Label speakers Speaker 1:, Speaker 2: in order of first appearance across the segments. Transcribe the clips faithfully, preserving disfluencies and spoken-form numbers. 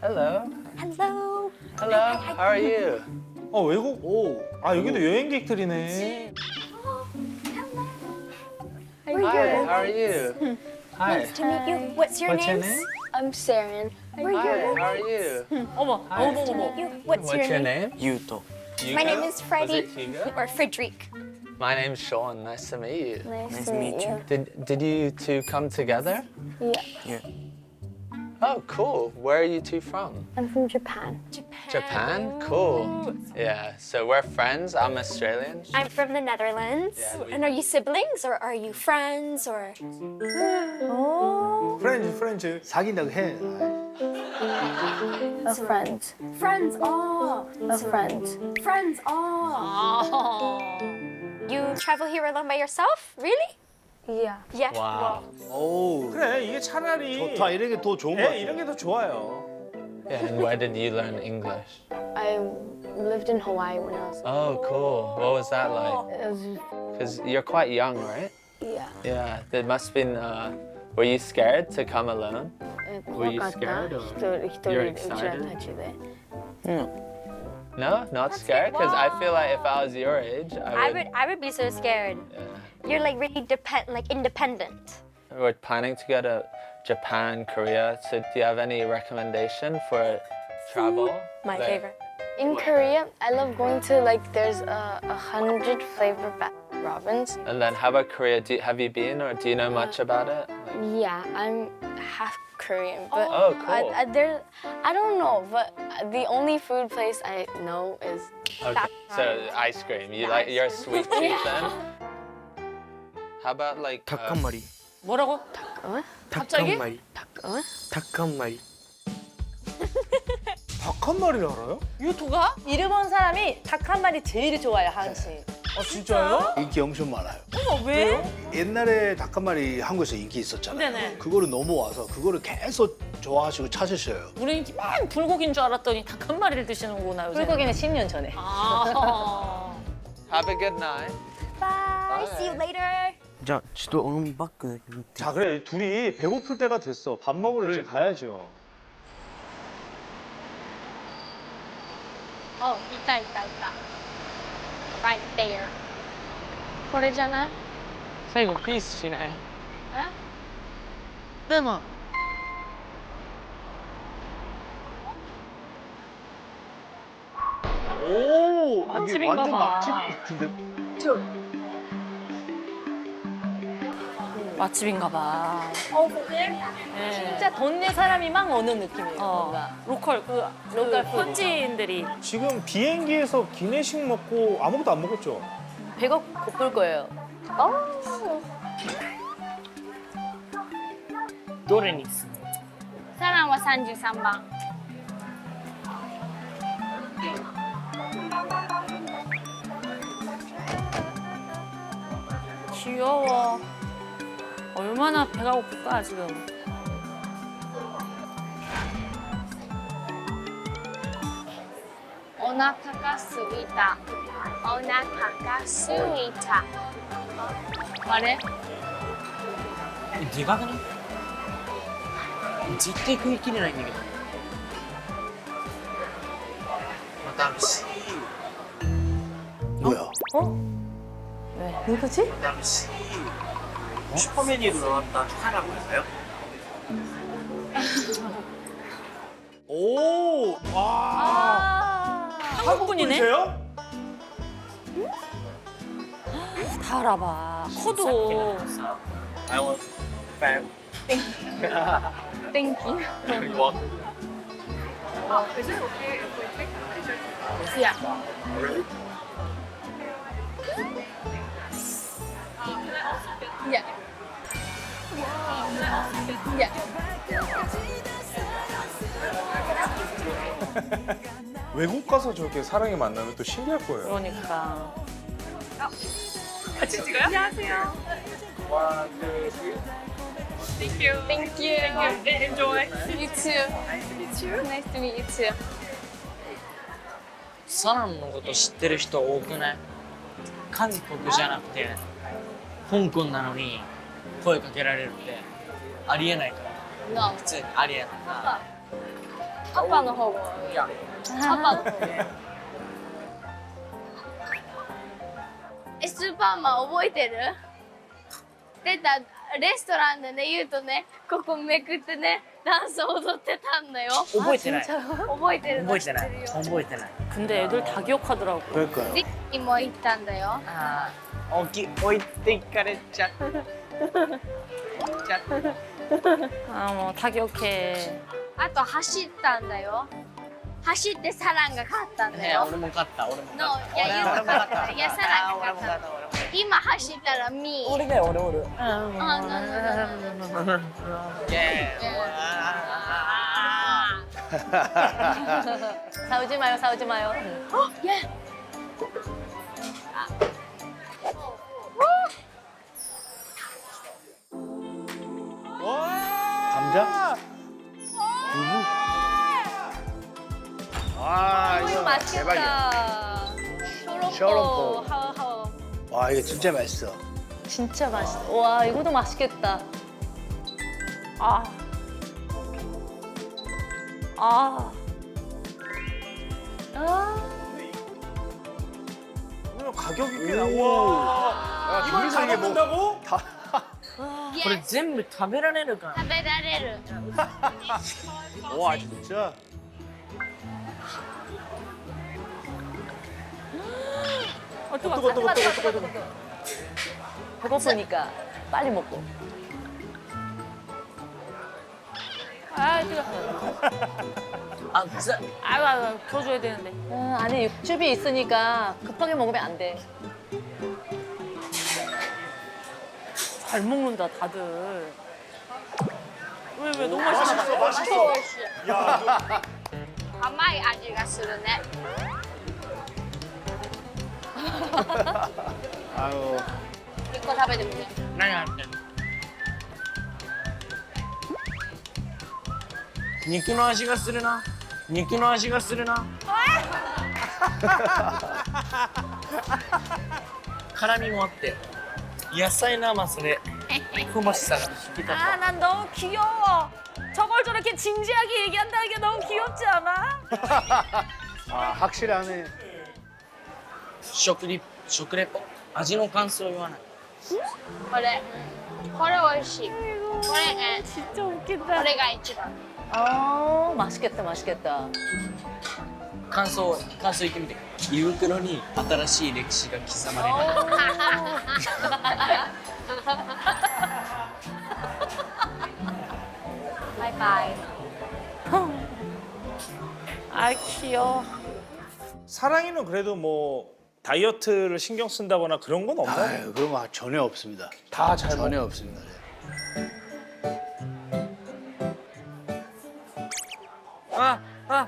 Speaker 1: Hello.
Speaker 2: Hello.
Speaker 1: Hello. How are you?
Speaker 3: 어 외국 오. 아 여기도 여행객들이네.
Speaker 1: Hi. How are you? Hi.
Speaker 2: Nice to meet you. What's your
Speaker 1: What's your
Speaker 2: name?
Speaker 1: name?
Speaker 4: I'm Saren.
Speaker 1: Hi. How are you?
Speaker 5: 어머,
Speaker 1: Hi.
Speaker 5: 어머, 어머.
Speaker 2: You. What's,
Speaker 1: What's your
Speaker 2: name?
Speaker 1: name?
Speaker 6: Yuto.
Speaker 2: My
Speaker 1: Hugo?
Speaker 2: name is Freddie.
Speaker 1: Was it Hugo?
Speaker 2: Or Frederic.
Speaker 1: My name's Sean. Nice to meet you.
Speaker 4: Nice,
Speaker 6: Nice
Speaker 4: to
Speaker 6: to
Speaker 4: meet
Speaker 6: meet
Speaker 4: you.
Speaker 1: Did Did you two come together?
Speaker 4: Yeah.
Speaker 6: Yeah.
Speaker 1: Oh, cool. Where are you two from?
Speaker 4: I'm from Japan.
Speaker 1: Japan? Cool. Yeah. So we're friends. I'm Australian.
Speaker 2: I'm from the Netherlands.
Speaker 1: Yeah, we-
Speaker 2: And are you siblings or are you friends or? Oh.
Speaker 3: 프렌즈 프렌즈.
Speaker 7: 사귄다고 해.
Speaker 4: A friend.
Speaker 2: Friends. Oh.
Speaker 4: A friend.
Speaker 2: Friends. Oh. You travel here alone by yourself? Really?
Speaker 4: Yeah.
Speaker 2: Yeah.
Speaker 1: Wow.
Speaker 7: 오.
Speaker 3: 그래 이게 차라리
Speaker 7: 좋다. 이런 게 더 좋은 거
Speaker 3: 예,
Speaker 7: 같아.
Speaker 3: 이런 게 더 좋아요.
Speaker 1: Yeah. And where did you learn English?
Speaker 4: I lived in Hawaii when I was.
Speaker 1: Oh, cool. What was that like?
Speaker 4: It was
Speaker 1: Because you're quite young, right?
Speaker 4: yeah.
Speaker 1: Yeah. There must have been. Uh, were you scared to come alone? Were you
Speaker 4: 怖かった
Speaker 1: scared or-
Speaker 4: 一人一人
Speaker 1: You're
Speaker 4: うちら
Speaker 1: excited?
Speaker 4: たちで。
Speaker 1: No, not scared. Because I feel like if I was your age, I
Speaker 2: I
Speaker 1: would.
Speaker 2: would. I would be so scared.
Speaker 1: Yeah.
Speaker 2: You're like really depend, like independent.
Speaker 1: We're planning to go to Japan, Korea. So, do you have any recommendation for travel?
Speaker 2: My
Speaker 1: Like-
Speaker 2: favorite.
Speaker 4: In Korea, I love going to like there's a, a hundred flavor Baskin Robbins.
Speaker 1: And then, how about Korea? Do, have you been, or do you know much about it? Like-
Speaker 4: Yeah, I'm half Korean, but
Speaker 1: Oh,
Speaker 4: I,
Speaker 1: cool.
Speaker 4: I, there, I don't know, but the only food place I know is
Speaker 1: Okay. So ice cream. You like you're a sweet tooth then? How about like
Speaker 6: 닭
Speaker 1: uh,
Speaker 6: 한 마리.
Speaker 5: 뭐라고?
Speaker 4: 어?
Speaker 6: 닭
Speaker 5: 갑자기?
Speaker 6: 한 마리.
Speaker 4: 어?
Speaker 6: 닭 한 마리.
Speaker 3: 닭 한 마리를 알아요?
Speaker 5: 유토가? 일본 사람이 닭 한 마리 제일 좋아해, 하은 씨.
Speaker 3: 아 진짜요?
Speaker 7: 인기 엄청 많아요.
Speaker 5: 어머, 왜?
Speaker 7: 옛날에 닭 한 마리 한국에서 인기 있었잖아요.
Speaker 5: 네네.
Speaker 7: 그거를 넘어와서 그거를 계속 좋아하시고 찾으셔요.
Speaker 5: 우리 맨 불고기인 줄 알았더니 닭 한 마리를 드시는구나, 요새.
Speaker 8: 불고기는 십 년 전에.
Speaker 5: 아.
Speaker 1: have a good night.
Speaker 2: Bye. See you later.
Speaker 6: 자, 저도 오늘 바꿔.
Speaker 3: 자 그래 둘이 배고플 때가 됐어. 밥 먹으러 이제 가야죠.
Speaker 4: Oh, いたいたいた。Right there. これじゃない？
Speaker 6: 最後ピースしない。
Speaker 4: え？
Speaker 6: でも。
Speaker 7: 오, 이게
Speaker 5: 맛집인가
Speaker 7: 완전
Speaker 5: 봐.
Speaker 7: 맛집 같은데.
Speaker 5: 맛집인가 봐.
Speaker 8: 어, 근데
Speaker 5: 네.
Speaker 8: 진짜 동네 사람이 막 오는 느낌이에요.
Speaker 5: 어,
Speaker 8: 뭔가.
Speaker 5: 로컬, 그,
Speaker 8: 로컬
Speaker 5: 그
Speaker 8: 푸드.
Speaker 5: 현지인들이.
Speaker 3: 지금 비행기에서 기내식 먹고 아무것도 안 먹었죠?
Speaker 8: 배가 고플 거예요.
Speaker 6: どれにする？
Speaker 4: サランは三十三番。
Speaker 5: 귀여워. 얼마나 배가 고플까, 지금.
Speaker 4: お腹がすいた。お腹がすいた。あれ？
Speaker 6: でかくない？絶対食い切れないんだけど。またあるし。
Speaker 7: 뭐야?
Speaker 8: 왜? 누구지?
Speaker 6: またあるし。슈퍼 메뉴로 나왔다 하나고 있어요?
Speaker 3: 오, 와.
Speaker 5: 한국 분이네?
Speaker 3: 분이세요?
Speaker 5: 다 알아봐. 커도.
Speaker 6: I want fan.
Speaker 4: Thank you.
Speaker 6: You want?
Speaker 4: Yeah. Yeah. Yeah.
Speaker 3: 외국 가서 저렇게 사랑에 만나면 또 신기할 거예요.
Speaker 5: 그러니까.
Speaker 4: Thank you. Thank you. Enjoy. You too. You too. Nice to meet you too.
Speaker 6: サランのこと知ってる人多くない？韓国じゃなくて香港なのに声かけられるってありえないから。
Speaker 4: No.
Speaker 6: 普通にありえないな。
Speaker 4: パパの方も
Speaker 6: いや
Speaker 4: パパの方もえスーパーマン覚えてる出たレストランでね言うとねここめくってねダンス踊ってたんだよ
Speaker 6: 覚えてない
Speaker 4: 覚えてるの
Speaker 6: 覚えてない
Speaker 4: 知ってるよ
Speaker 6: 覚えてない
Speaker 8: 근데 애들 다 기억하더라고.
Speaker 7: 그러니까요.
Speaker 4: リッキーも行ったんだよ
Speaker 6: ああ置き置いていかれちゃったちゃった
Speaker 8: 아, 뭐 다 기억해.
Speaker 4: あと走ったんだよ走ってサランが勝ったんだ
Speaker 6: ね
Speaker 4: よ
Speaker 6: 俺も勝った俺も勝った
Speaker 4: No いやユウが勝ったいやサランが
Speaker 6: 俺も
Speaker 4: 勝っ
Speaker 6: 勝ったた俺も勝っ
Speaker 4: 今走ったらミー
Speaker 6: た俺だよ俺俺
Speaker 4: あ、no, no, no, no, no.
Speaker 6: イエーイ
Speaker 8: 싸우지 마요, 싸우지 마요.
Speaker 7: 감자? 두부? 아,
Speaker 8: 이거
Speaker 7: 이거 대박이야.
Speaker 8: 맛있겠다.
Speaker 7: 셔럼포.
Speaker 8: 쇼롱포. 하하오.
Speaker 7: 와, 이거 진짜 맛있어.
Speaker 8: 진짜 맛있다. 와, 이거도 맛있겠다. 아. 아. 아.
Speaker 3: 가격이 꽤 나와.
Speaker 7: 이걸 다 먹는다고?
Speaker 6: これ全部食べられるか
Speaker 4: 食べられる
Speaker 7: 와, 진짜.
Speaker 8: 어, 뜨거, 뜨거, 뜨거, 뜨거, 뜨거, 뜨거. 배고프니까 빨리 먹고. 아, 뜨거.
Speaker 6: あざ
Speaker 8: 아유, 아유, 풀어줘야 되는데. 아, 안에 육즙이 있으니까 급하게 먹으면 안 돼. 잘 먹는다, 다들. 왜, 왜, 너무 맛있어.
Speaker 7: 맛있어.
Speaker 4: 甘い味がするね
Speaker 7: 아유.
Speaker 4: 一個食べてみて
Speaker 6: 何あってんの肉の味がするな肉の味がするな辛みもあって野菜の甘さで香ばしさが引き立つ
Speaker 8: 아, 난 너무 귀여워. 저걸 저렇게 진지하게 얘기한다는 게 너무 귀엽지 않아?
Speaker 7: 아, 확실하네.
Speaker 6: 食リ食レポ味の感想を言わない
Speaker 4: これこれ美味しいこれえ
Speaker 8: 진짜
Speaker 4: こ
Speaker 8: 웃긴다.
Speaker 4: れが一番
Speaker 8: 아, 맛있겠다, 맛있겠다.
Speaker 6: 感想感想言ってみて胃袋に新しい歴史が刻まれる
Speaker 4: バイバイ
Speaker 8: 아, 귀여워.
Speaker 3: 사랑이는 그래도 뭐 다이어트를 신경 쓴다거나 그런 건 없나요?
Speaker 7: 아유, 그런 거 전혀 없습니다.
Speaker 3: 다 잘 먹.
Speaker 7: 전혀 없습니다. 네.
Speaker 6: 아, 아.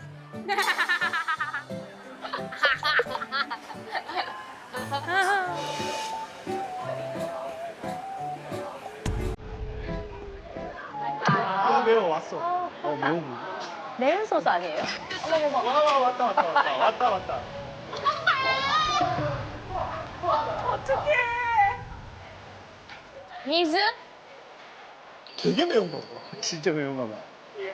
Speaker 3: 아, 매워 왔어.
Speaker 7: 어, 매운 거.
Speaker 8: 매운 소스 아니에요?
Speaker 3: 와, 왔다 왔다 왔다 왔다 왔다.
Speaker 4: 水
Speaker 3: 되게 매운 거 봐.
Speaker 7: 진짜 매운가 봐.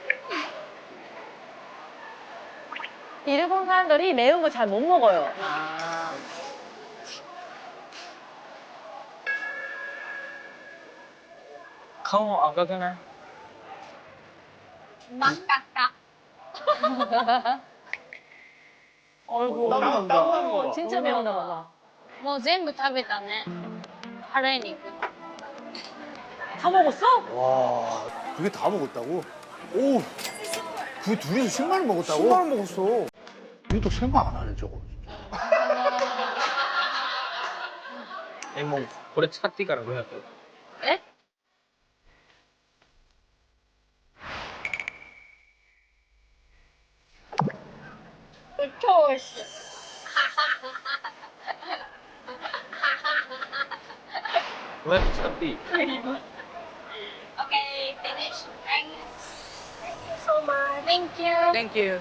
Speaker 8: 일본 사람들이 매운 거 잘 못 먹어요.
Speaker 6: 顔赤くない
Speaker 4: 真っ赤っか
Speaker 8: 어이구.
Speaker 3: 땀 나는 거 봐.
Speaker 8: 진짜 매운가 봐.
Speaker 4: もう全部食べたね腹肉
Speaker 8: 다 먹었어?
Speaker 7: 와, 그게 다 먹었다고? 오, 그 둘이서 십만 원 먹었다고?
Speaker 3: 십만 원 먹었어.
Speaker 7: 이것도 생각 안 하네, 저거.
Speaker 6: えもうこれ使っていいからごひゃく
Speaker 4: えこれ超美味しい
Speaker 6: ごひゃく使っていい
Speaker 4: Okay, finish. Thank you so much. Thank you.
Speaker 6: Thank you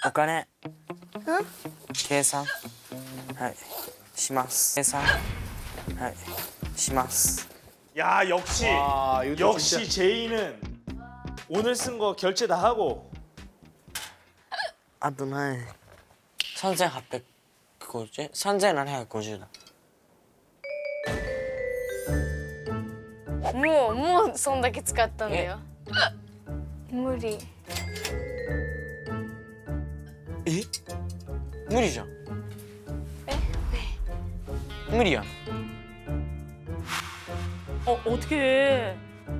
Speaker 6: お金計算はいします計算はいします
Speaker 3: 야 역시
Speaker 7: 와, 이거
Speaker 3: 역시 제이는 오늘 쓴 거 결제 다 하고
Speaker 6: あと何さんぜんはっぴゃくごじゅうさんぜんななひゃくごじゅうだ
Speaker 4: もうもうそんだけ使ったんだよ無理
Speaker 6: え無理じゃん
Speaker 4: え
Speaker 6: 無理やん
Speaker 5: 어 어떻게?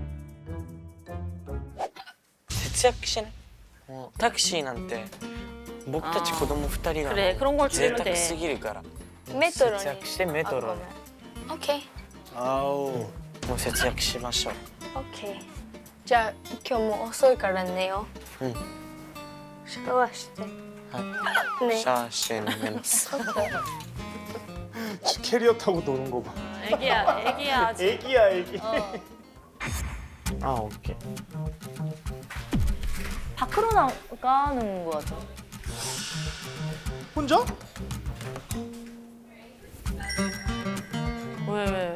Speaker 6: 節約してねもうタクシーなんて僕たち子供ふたりが
Speaker 5: 그래 그런 걸
Speaker 6: 贅
Speaker 5: 줄이면
Speaker 6: 沢
Speaker 5: 돼.
Speaker 6: すぎるから
Speaker 4: メトロに
Speaker 6: 節約してメトロに
Speaker 4: OK
Speaker 7: 아우.
Speaker 6: もう節約しましょう
Speaker 4: OK じゃあ今日も遅いから寝よう
Speaker 6: うん
Speaker 4: シャワーして
Speaker 6: はい
Speaker 4: ね
Speaker 6: シャワーして寝ます
Speaker 3: 캐리어 타고 노는 거 봐.
Speaker 5: 애기야 애기야 아직.
Speaker 3: 애기야 애기.
Speaker 5: 어.
Speaker 6: あオッケー
Speaker 5: 밖으로 나가는 거 같아.
Speaker 3: 혼자?
Speaker 5: 왜 왜?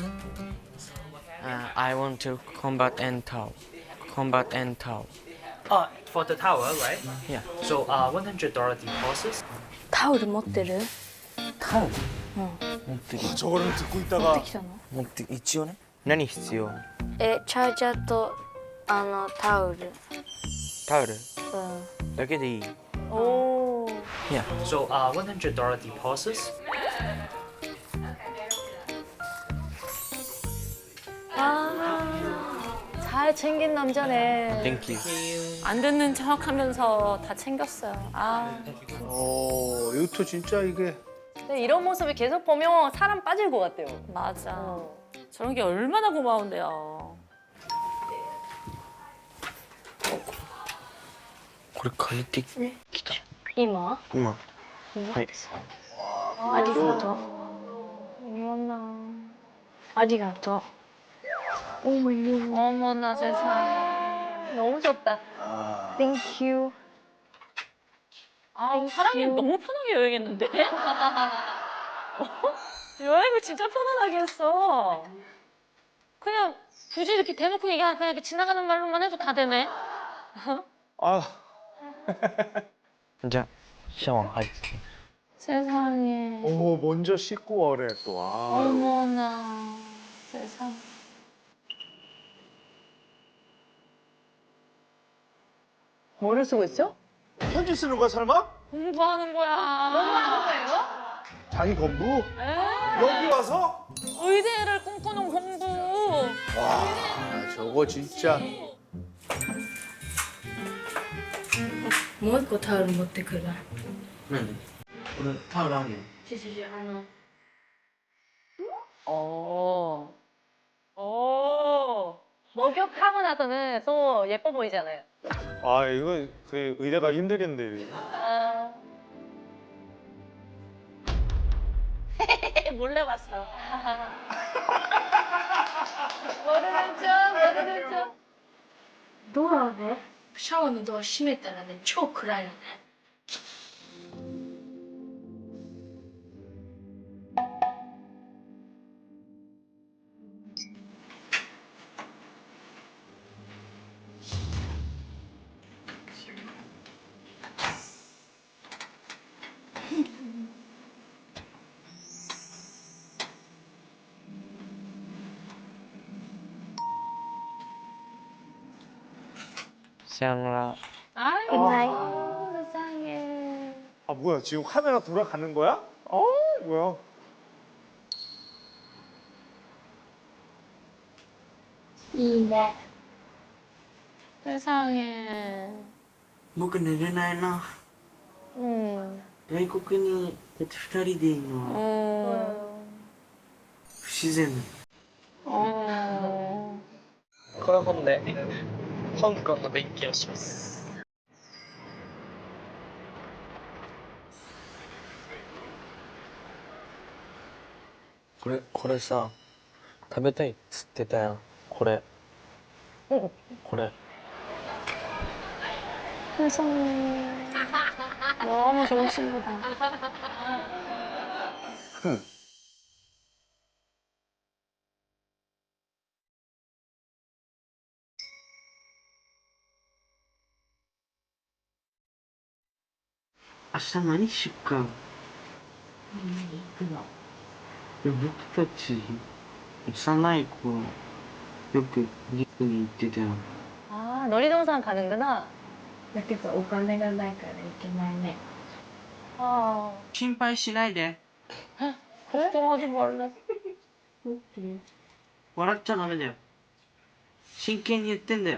Speaker 6: Uh, I want to combat and tow. Combat and tow.
Speaker 9: Uh, for the tower, right?
Speaker 6: Yeah.
Speaker 9: So, uh, one hundred dollar deposit.
Speaker 4: タオル持ってる
Speaker 6: 타오. 못
Speaker 3: 아, 저거를 듣고 있다가
Speaker 4: 来たの
Speaker 6: 못一応ね。何必要？
Speaker 4: えチャージャーとあのタオル
Speaker 6: タオル
Speaker 4: うん
Speaker 6: だけでいい。
Speaker 5: 오.
Speaker 6: Yeah.
Speaker 9: So, uh, one hundred dollar deposit.
Speaker 5: 잘 챙긴 남자네.
Speaker 6: Thank you.
Speaker 5: 안 듣는 척하면서 다 챙겼어요. 아.
Speaker 7: 어, 이것도 진짜 이게.
Speaker 5: 근데 이런 모습을 계속 보면 사람 빠질 것 같아요. 맞아. 저런 게 얼마나 고마운데요.
Speaker 6: これ借りてきた。
Speaker 4: 今
Speaker 6: 今。はい。
Speaker 4: ありがとうありがとう 어머나
Speaker 5: 어머나 세상에. 너무 좋다.
Speaker 7: 아.
Speaker 4: Thank you
Speaker 5: 아, 사람이 너무 편하게 여행했는데? 여행을 진짜 편안하게 했어. 그냥 굳이 이렇게 대놓고 얘기 안 그냥 이렇게 지나가는 말로만 해도 다 되네.
Speaker 3: 아
Speaker 6: じゃあシャワー入って。
Speaker 5: 세상에.
Speaker 7: 오, 먼저 씻고 오래 또. 아.
Speaker 5: 어머나 세상. 뭐를 쓰고 있어?
Speaker 3: 편지 쓰는 거야 설마?
Speaker 5: 공부하는 거야. 공부하는 거예요?
Speaker 7: 자기 건부?
Speaker 3: 여기 와서?
Speaker 5: 의대를 꿈꾸는 공부.
Speaker 7: 와, 저거 진짜.
Speaker 4: もう一個タオル持ってくる
Speaker 6: 何？これタオルあるよ。
Speaker 4: ちょちょちょあの
Speaker 5: 어. 어. 목욕하고 나서는 또 예뻐 보이잖아요.
Speaker 3: 아 이거 그 의대가 힘들겠는데.
Speaker 5: 아. 몰래 봤어. 모르는 척, 모르는 척.
Speaker 4: ドアをねシャワーのドア閉めたらね超暗いのね
Speaker 6: さよなら。
Speaker 5: 아이고, 세상에.
Speaker 3: 아 뭐야 지금 카메라 돌아가는 거야? 어 뭐야?
Speaker 4: 이네
Speaker 5: 세상에.
Speaker 6: 僕寝れないな。
Speaker 5: 음.
Speaker 6: 外国にだって二人でいるのは
Speaker 5: 음.
Speaker 6: 不自然。
Speaker 5: 음.
Speaker 6: この本で香港の勉強します。これこれさ食べたいっつってたやんこれこれ
Speaker 5: 세상에. 너무 좋은 친구다.
Speaker 6: 明日何しよっか。いや僕たち幼い頃よくディズニー行ってたよ。
Speaker 5: 아, 놀이동산 가는구나.
Speaker 4: だけどお金がないから行けないね。
Speaker 5: 아,
Speaker 6: 心配しないで。
Speaker 5: 걱정하지 말래.
Speaker 6: 笑っちゃダメだよ。真剣に言ってんだよ。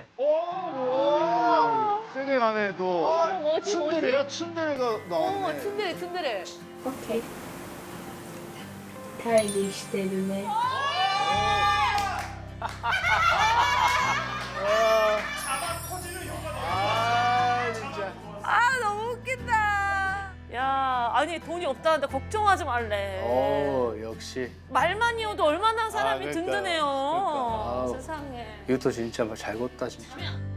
Speaker 7: 세게 가네 또. 츤데레야 츤데레가 나왔네.
Speaker 8: 튼들해 튼들해.
Speaker 4: オッケー。会議してるね。
Speaker 3: 아 진짜.
Speaker 8: 아 너무 웃긴다. 야 아니 돈이 없다는데 걱정하지 말래.
Speaker 7: 어 역시
Speaker 8: 말만이어도 얼마나 사람이
Speaker 7: 아, 그러니까,
Speaker 8: 든든해요.
Speaker 7: 그러니까. 아우.
Speaker 8: 세상에.
Speaker 7: 이것도 진짜 잘 걷다 진짜.